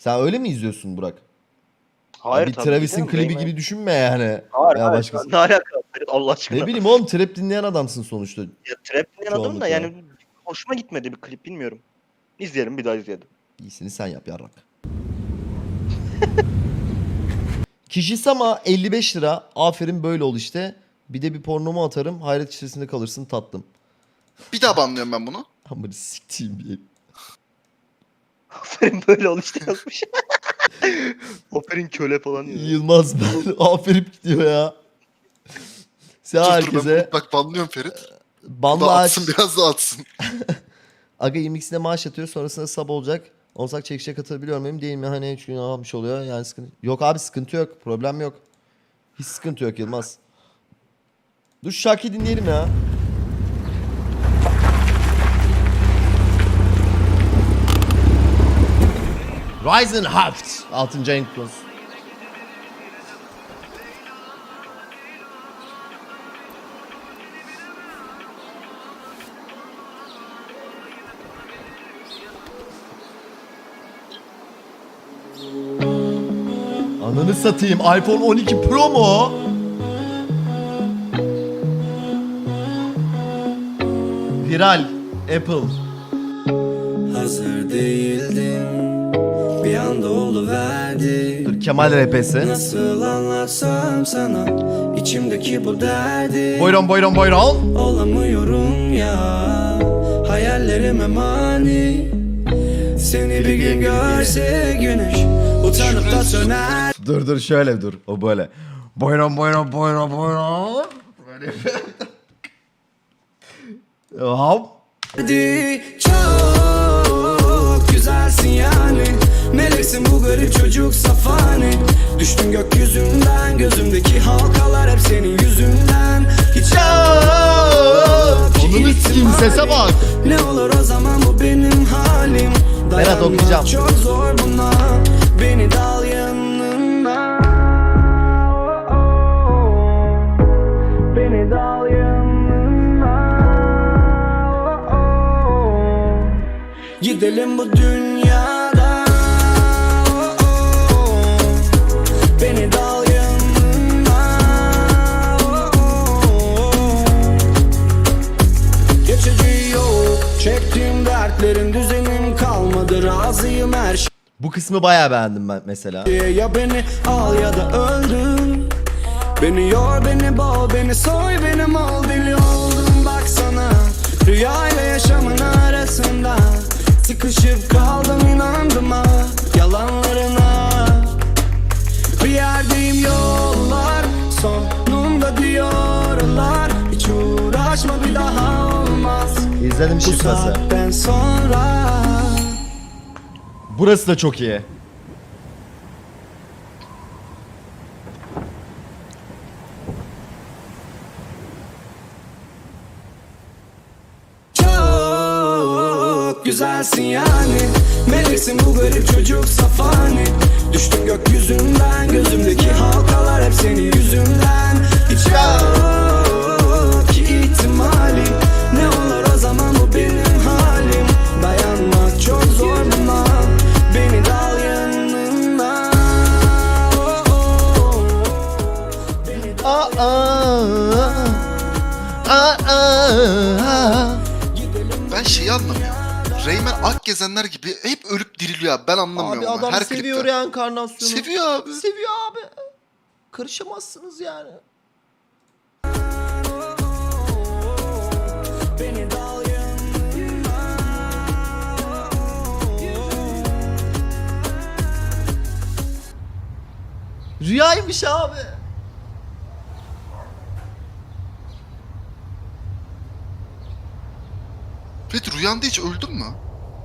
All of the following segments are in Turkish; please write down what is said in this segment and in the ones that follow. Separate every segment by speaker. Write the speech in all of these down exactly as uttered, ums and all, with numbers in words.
Speaker 1: Sen öyle mi izliyorsun Burak?
Speaker 2: Hayır
Speaker 1: bir
Speaker 2: tabii
Speaker 1: Travis'in
Speaker 2: ki de
Speaker 1: klibi
Speaker 2: Rayman-
Speaker 1: gibi düşünme yani.
Speaker 2: Hayır
Speaker 1: Ya
Speaker 2: hayır.
Speaker 1: başkası.
Speaker 2: Ne alaka? Allah aşkına.
Speaker 1: Ne bileyim oğlum, trap dinleyen adamsın sonuçta.
Speaker 2: Ya trap dinleyen adam da
Speaker 1: Çoğunlukla.
Speaker 2: yani hoşuma gitmedi bir klip, bilmiyorum. İzleyelim, bir daha izleyelim.
Speaker 1: İyisini sen yap yarrak. Kişisama elli beş lira. Aferin böyle ol işte. Bir de bir pornomu atarım. Hayret içerisinde kalırsın tatlım.
Speaker 3: Bir daha banlıyorum ben bunu.
Speaker 1: Amına siktiğim bir.
Speaker 2: Aferin böyle ol işte yazmış. Aferin köle falan diyor.
Speaker 1: Yılmaz ben. Aferin gidiyor ya. Sen
Speaker 3: Dur dur ben
Speaker 1: herkese
Speaker 3: bunu bak banlıyorum Ferit. Bu
Speaker 1: banla
Speaker 3: da
Speaker 1: aç.
Speaker 3: atsın biraz da atsın.
Speaker 1: Aga yirmi maaş atıyor, sonrasında sub olacak. Olsak çekişe katılabiliyor muyum değil mi? Hani üç gün almış oluyor yani sıkıntı. Yok abi sıkıntı yok. Problem yok. Hiç sıkıntı yok Yılmaz. Dur şu şarkıyı dinleyelim ya. Ryzen Haft. altıncı ayın kutlu olsun. Ananı satayım. iPhone on iki Pro mu? Viral. Apple.
Speaker 4: Hazır değildim, bir anda oluverdi.
Speaker 1: Dur, Kemal R P'si.
Speaker 4: Nasıl anlatsam sana içimdeki bu derdi.
Speaker 1: Buyurun buyurun buyurun.
Speaker 4: Olamıyorum ya, hayallerime mani. Seni bir gün görse güneş utanıp da söner.
Speaker 1: Dur dur şöyle dur. O böyle. Buyurun buyurun buyurun buyurun. Böyle. Hop.
Speaker 4: Hadi çok güzelsin yani. Meleksin bu garip çocuk safani. Düştüm gökyüzünden, gözümdeki halkalar hep senin yüzünden. Hiç
Speaker 1: Onunu sikeyim, sese bak.
Speaker 4: ne olur o zaman bu benim halim.
Speaker 1: Berat okuyacağım.
Speaker 4: Dayanmak çok zor buna. Beni dal yanına. Beni dal yanına. Gidelim bu dünyada. Beni dal yanına. Geçici yok. Çektiğim dertlerin düzenim kalmadı. Razıyım her şeye.
Speaker 1: Bu kısmı bayağı beğendim ben mesela.
Speaker 4: Ya beni al ya da öldür. Beni yor, beni boğ, beni soy, beni mal. Deli oldum baksana. Rüyayla yaşamın arasında sıkışıp kaldım, inandım ha yalanlarına. Bir yerdeyim, yollar sonunda diyorlar. Hiç uğraşma, bir daha olmaz
Speaker 1: İzledim
Speaker 4: bu
Speaker 1: çıkması.
Speaker 4: saatten sonra.
Speaker 1: Burası da çok iyi.
Speaker 4: Çok güzelsin yani. Meleksin bu garip çocuk safani. Düştüm gökyüzünden, gözümdeki halkalar hep senin yüzünden. Hiç yok ki ihtimali. Ne olur o zaman bu benim halim. Dayanmak çok zor buna. Beni dal yanına. Oh, oh, oh. Beni dal
Speaker 1: Aa, aa, aa.
Speaker 3: Ben şeyi anlamıyorum. Rayman Akgezenler gibi hep ölüp diriliyor abi. Ben anlamıyorum.
Speaker 1: Abi
Speaker 3: ama.
Speaker 1: adam
Speaker 3: Her
Speaker 1: seviyor
Speaker 3: klipte.
Speaker 1: reenkarnasyonu.
Speaker 3: Seviyor abi.
Speaker 1: Seviyor abi. Karışamazsınız yani.
Speaker 4: Beni dal yanına.
Speaker 1: Rüyaymış abi.
Speaker 3: Ferit rüyanda hiç öldün mü?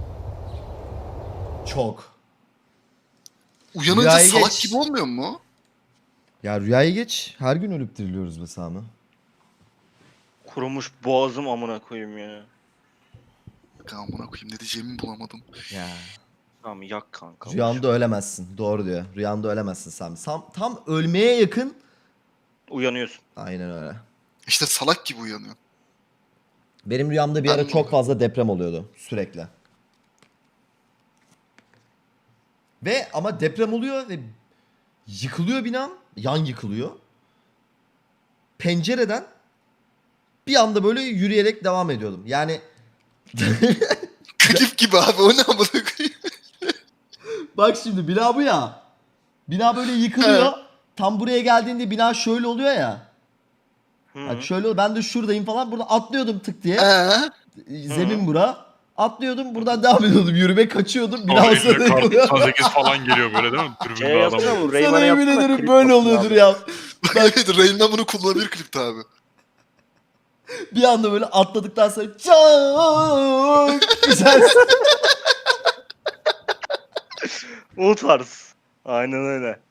Speaker 1: Çok.
Speaker 3: Uyanınca
Speaker 1: Rüyayı
Speaker 3: salak
Speaker 1: geç.
Speaker 3: gibi olmuyor mu?
Speaker 1: Ya rüyayı geç. Her gün ölüp diriliyoruz be Sami.
Speaker 2: Kurumuş boğazım amına koyayım ya.
Speaker 3: Amına koyayım ne diyeceğimi bulamadım.
Speaker 1: Ya.
Speaker 2: Tamam yak kanka.
Speaker 1: Rüyanda ölemezsin. Doğru diyor. Rüyanda ölemezsin Sami. Tam, tam ölmeye yakın.
Speaker 2: Uyanıyorsun.
Speaker 1: Aynen öyle.
Speaker 3: İşte salak gibi uyanıyor.
Speaker 1: Benim rüyamda bir
Speaker 3: Ben
Speaker 1: ara
Speaker 3: de
Speaker 1: çok
Speaker 3: oluyor.
Speaker 1: fazla deprem oluyordu. Sürekli. Ve ama deprem oluyor ve yıkılıyor binam. Yan yıkılıyor. Pencereden bir anda böyle yürüyerek devam ediyordum. Yani
Speaker 3: Klip gibi abi o ne amına koyayım.
Speaker 1: bak şimdi bina bu ya. Bina böyle yıkılıyor. Tam buraya geldiğinde bina şöyle oluyor ya.
Speaker 2: Hı.
Speaker 1: Bak şöyle oluyor. Ben de şuradayım falan. Burada atlıyordum tık diye.
Speaker 3: Ee,
Speaker 1: Zemin bura. Atlıyordum. Buradan devam ediyordum. Yürüme kaçıyordum. Bina
Speaker 5: Sonra
Speaker 1: olsa
Speaker 5: elinde kar
Speaker 1: yıkılıyor.
Speaker 5: doksan sekiz falan geliyor böyle değil mi?
Speaker 2: Şey
Speaker 5: Tribünde adam.
Speaker 2: yapsana bu
Speaker 1: Sana
Speaker 2: Rayman'a
Speaker 1: yemin
Speaker 2: yapsana.
Speaker 1: ederim
Speaker 2: klip
Speaker 1: böyle
Speaker 2: yapsın
Speaker 1: oluyordur
Speaker 2: abi.
Speaker 1: ya.
Speaker 3: evet Rain'den bunu kullanabilir klipte abi.
Speaker 1: Bir anda böyle atladıktan sonra çok güzel.
Speaker 2: O tarz. Aynen öyle.